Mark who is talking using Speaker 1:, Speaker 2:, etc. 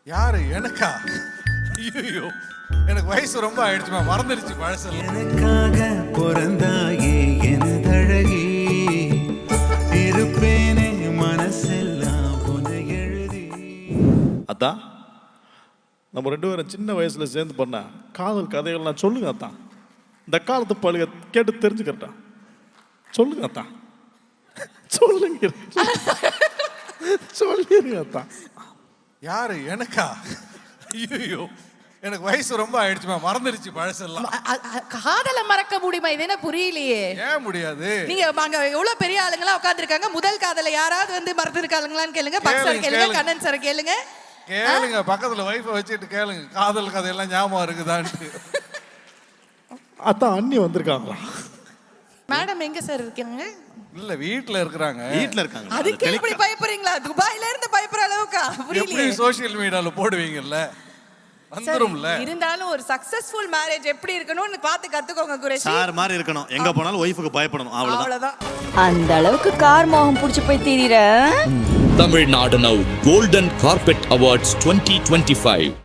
Speaker 1: யாரு எனக்கா? ஐயோ, எனக்கு வயசு ரொம்ப ஆயிடுச்சுமா, மறந்துடுச்சு பழசல்.
Speaker 2: எனக்காக பிறந்தாயே எனதழகி, இருப்பேனே மனசெல்லாம் உன்னை எழுதி.
Speaker 3: அதான் நம்ம ரெண்டு பேரும் சின்ன வயசுல சேர்ந்து பண்ண காதல் கதைகள்லாம் சொல்லுங்க அத்தான். இந்த காலத்து பழுக கேட்டு தெரிஞ்சுக்கிறட்டா. சொல்லுங்க அத்தான், சொல்லுங்க, சொல்லிருங்க அத்தான்.
Speaker 1: யாரு எனக்கா? ஐயோ, எனக்கு வயசு ரொம்ப ஆயிடுச்சுமா, மறந்துடுச்சு பழசெல்லாம்.
Speaker 4: காதல மறக்க முடியுமா? இது என்ன புரியலையே.
Speaker 1: ஏன் முடியாது?
Speaker 4: நீங்க அங்க எவ்வளவு பெரிய ஆளுங்களா உட்கார்ந்திருக்காங்க. முதல் காதல யாராவது வந்து மறந்துருக்காங்களான்னு கேளுங்க. பக்சர் கேளுங்க, கண்ணன் சார் கேளுங்க.
Speaker 1: கேளுங்க, பக்கத்துல வைஃபை வச்சுட்டு கேளுங்க, காதல் கதையெல்லாம் ஞாபகம் இருக்குதான்ட்டு.
Speaker 3: அத்தான் அண்ணி வந்திருக்காங்களா?
Speaker 4: மேடம் எங்க சார் இருக்காங்க?
Speaker 1: இல்ல, வீட்ல இருக்காங்க.
Speaker 5: வீட்ல இருக்காங்க.
Speaker 4: அதுக்கு எப்படி பயப்படுறீங்களா? துபாயில இருந்து பயப்படுற அளவுக்கு
Speaker 1: எப்படி
Speaker 4: புரியலையே.
Speaker 1: சோஷியல் மீடியால போடுவீங்கல்ல, வந்துரும்ல.
Speaker 4: இருந்தாலும் ஒரு சக்சஸ்ஃபுல் மேரேஜ் எப்படி இருக்கணும்னு பார்த்து கத்துக்கோங்க குரேஷி.
Speaker 5: சார் மாதிரி இருக்கணும். எங்க போனாலும் ஒய்ஃபுக்கு பயப்படணும்.
Speaker 4: அவ்வளவுதான்.
Speaker 6: அந்த அளவுக்கு கார் மோகம் புடிச்சு போய் திரிற.
Speaker 7: Tamil Nadu Now Golden Carpet Awards 2025.